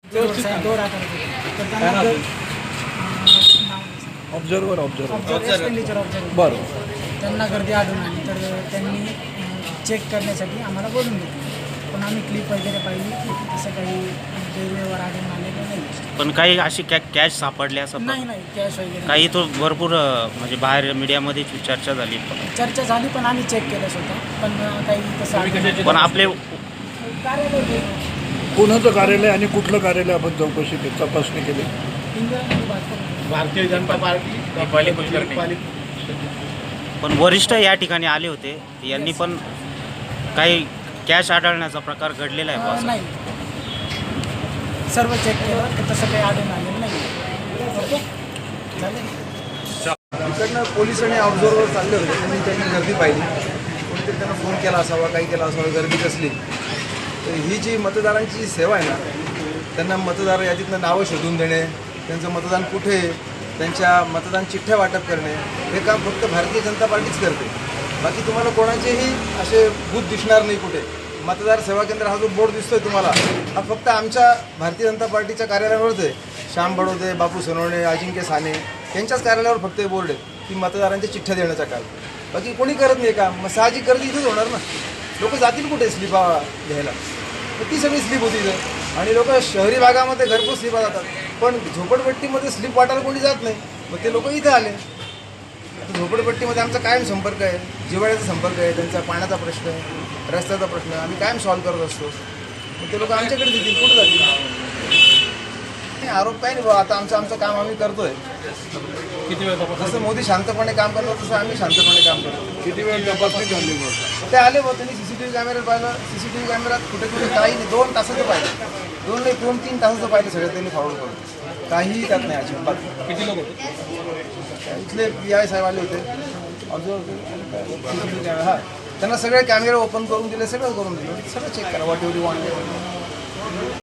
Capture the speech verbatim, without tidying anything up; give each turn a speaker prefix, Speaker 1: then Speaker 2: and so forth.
Speaker 1: Observer observer
Speaker 2: expenditure observer
Speaker 1: बरं.
Speaker 2: त्यांना गर्दी आढळून आली तर त्यांनी चेक करण्यासाठी आम्हाला बोलून घेतलं. पण आम्ही क्लिप वगैरे पाहिली तसं काही गैरव्यवहार आढळून आलेलं नाही.
Speaker 3: पण काही अशी कॅ कॅश सापडले असं
Speaker 2: नाही नाही कॅश वगैरे
Speaker 3: काही तो भरपूर अ, म्हणजे बाहेर मीडियामध्ये चर्चा झाली.
Speaker 2: चर्चा झाली पण आम्ही चेक केलं स्वतः पण काही तसं आढळलं
Speaker 3: पण आपले
Speaker 2: कार्यालय
Speaker 1: कोणाचं कार्यालय आणि कुठलं कार्यालय आपण चौकशी केली तपासणी केली?
Speaker 2: इंदिरा भाजप
Speaker 4: भारतीय जनता पार्टी
Speaker 3: पण वरिष्ठ या ठिकाणी आले होते. यांनी पण काही कॅश आढळण्याचा प्रकार घडलेला आहे बुवा असं.
Speaker 2: नाही सर्व चेक केलं तर तसं काही आढळून आलेलं नाही. ओके चालेल.
Speaker 5: इकडनं पोलीस आणि ऑब्झर्वर चालले होते. त्यांनी त्यांनी गर्दी पाहिली. कोणीतरी त्यांना फोन केला असावा, काही केला असावा, गर्दी कसली. तर ही जी मतदारांची जी सेवा आहे ना, त्यांना मतदार यादीतनं नावं शोधून देणे, त्यांचं मतदान कुठे, त्यांच्या मतदान चिठ्ठ्या वाटप करणे, हे काम फक्त भारतीय जनता पार्टीच करते. बाकी तुम्हाला कोणाचेही असे बूथ दिसणार नाही कुठे. मतदार सेवा केंद्र हा जो बोर्ड दिसतोय तुम्हाला, हा फक्त आमच्या भारतीय जनता पार्टीच्या कार्यालयावरच आहे. श्याम बडोदे, बापू सोनवणे, अजिंक्य साने यांच्याच कार्यालयावर फक्त हे बोर्ड आहे की मतदारांच्या चिठ्ठ्या देण्याचा काम. बाकी कोणी करत नाही का. मग साहजिक गर्दी इथंच होणार ना. लोक जातील कुठे स्लिपा घ्यायला. तर ती सगळी स्लिप होती इथं. आणि लोक शहरी भागामध्ये घरपोच स्लिपा जातात, पण झोपडपट्टीमध्ये स्लिप वाटायला कोणी जात नाही. मग ते लोक इथं आले. आता झोपडपट्टीमध्ये आमचा कायम संपर्क आहे, जिव्हाळ्याचा संपर्क आहे, त्यांचा पाण्याचा प्रश्न आहे, रस्त्याचा प्रश्न आहे, आम्ही कायम सॉल्व्ह करत असतो. मग ते लोक आमच्याकडे देतील, कुठं जातील. आरोप काय नाही बाबा. आता आमचं आमचं काम आम्ही करतोय.
Speaker 4: किती वेळ तपास
Speaker 5: जसं मोदी शांतपणे काम करतो तसं आम्ही शांतपणे काम करतो.
Speaker 4: किती वेळ तपासणी झाली
Speaker 5: ते आले बघ, त्यांनी सीसीटीव्ही कॅमेऱ्यात पाहिलं. सीसीटीव्ही कॅमेऱ्यात कुठे कुठे काही नाही, दोन तासाचं पाहिलं. दोन नाही दोन तीन तासाचं पाहिलं सगळं त्यांनी फॉरवर्ड करून. काहीही त्यात नाही अजिबात.
Speaker 4: किती लोक होते?
Speaker 5: इथले पी आय साहेब आले होते. सीसीटीव्ही कॅमेरा, हा त्यांना सगळे कॅमेरे ओपन करून दिले, सगळं करून दिलं. सगळं चेक करा, व्हॉट एव्हरी वॉन्ट.